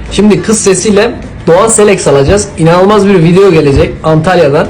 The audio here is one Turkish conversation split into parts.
Şimdi kız sesiyle Doğan Selex alacağız. İnanılmaz bir video gelecek Antalya'dan.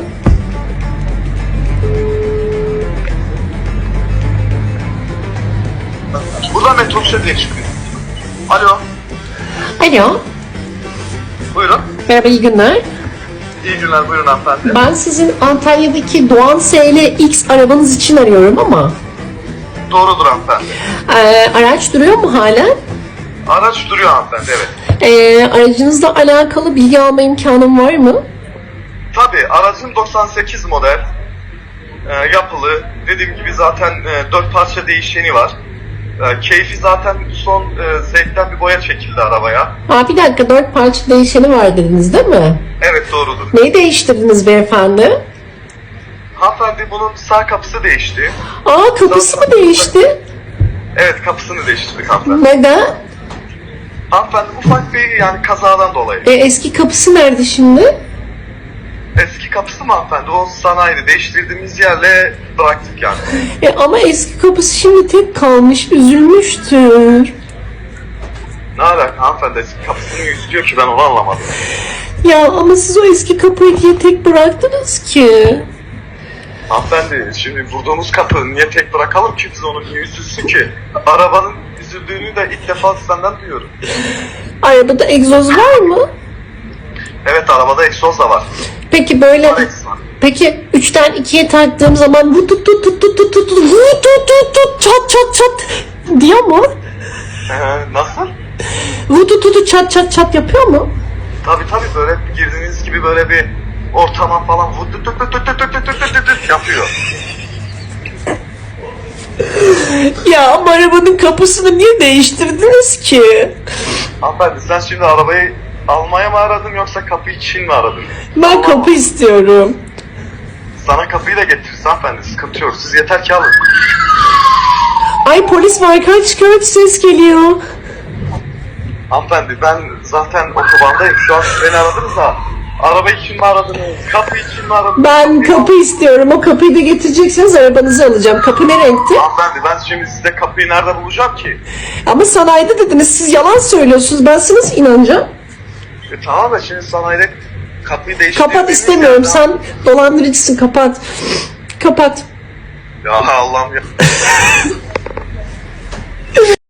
Buradan metrobüse diye çıkıyor. Alo, Alo, buyurun. merhaba, iyi günler. İyi günler, buyurun hanımefendi. Ben sizin Antalya'daki Doğan SLX arabanız için arıyorum ama Doğrudur hanımefendi. araç duruyor mu halen? Araç duruyor hanımefendi, evet. Aracınızla alakalı bilgi alma imkanım var mı? Tabii, aracın 98 model. Yapılı. Dediğim gibi zaten 4 parça değişeni var. Keyfi zaten son zevkten bir boya çekildi arabaya. Bir dakika, 4 parça değişeni var dediniz değil mi? Evet, doğrudur. Neyi değiştirdiniz beyefendi? Hanımefendi bunun sağ kapısı değişti. Kapısı mı değişti? Evet, kapısını değiştirdik hanımefendi. Neden? Hanımefendi ufak bir yani kazadan dolayı. Eski kapısı nerede şimdi? Eski kapısı mı hanımefendi? O sanayide değiştirdiğimiz yerle bıraktık yani. Ama eski kapısı şimdi tek kalmış, üzülmüştür. Ne alaka hanımefendi, eski kapısını yüzüyor ki ben onu anlamadım. Ya ama siz o eski kapıyı niye tek bıraktınız ki? Hanımefendi şimdi vurduğumuz kapı niye tek bırakalım ki, biz onu niye üzülsün ki? Arabanın üzüldüğünü de ilk defa senden duyuyorum. Arabada egzoz var mı? Evet, arabada egzoz da var. Peki böyle... Var egzoz. Peki 3'ten 2'ye taktığım zaman bu tut tut tut tut tut tut tut vut tut tut tut çat çat çat diyor mu? Nasıl? Vut tut tut çat çat çat yapıyor mu? Tabii böyle girdiğiniz gibi böyle bir ortama falan vut tut tut tut tut tut tut tut tut tut yapıyor. Ya ama arabanın kapısını niye değiştirdiniz ki? Hanımefendi sen şimdi arabayı almaya mı aradın yoksa kapı için mi aradın? Ben kapı istiyorum. Sana kapıyı da getiririz hanımefendi, sıkıntı yok. Siz yeter ki alın. Ay polis var, kaç kaç ses geliyor. Hanımefendi ben zaten otobandayım. Şu an siz beni aradınız da araba için mi aradınız? Kapı için mi aradınız? Ben kapı istiyorum, o kapıyı da getireceksiniz, arabanızı alacağım. Kapı ne renkti? Hanımefendi ben şimdi size kapıyı nerede bulacağım ki? Ama sanayide dediniz, siz yalan söylüyorsunuz, ben size nasıl inanacağım? Tamam da şimdi sanayide kapıyı değiştirdiğiniz Kapat, istemiyorum, yerden- sen dolandırıcısın, kapat. Kapat. Ya Allah'ım ya.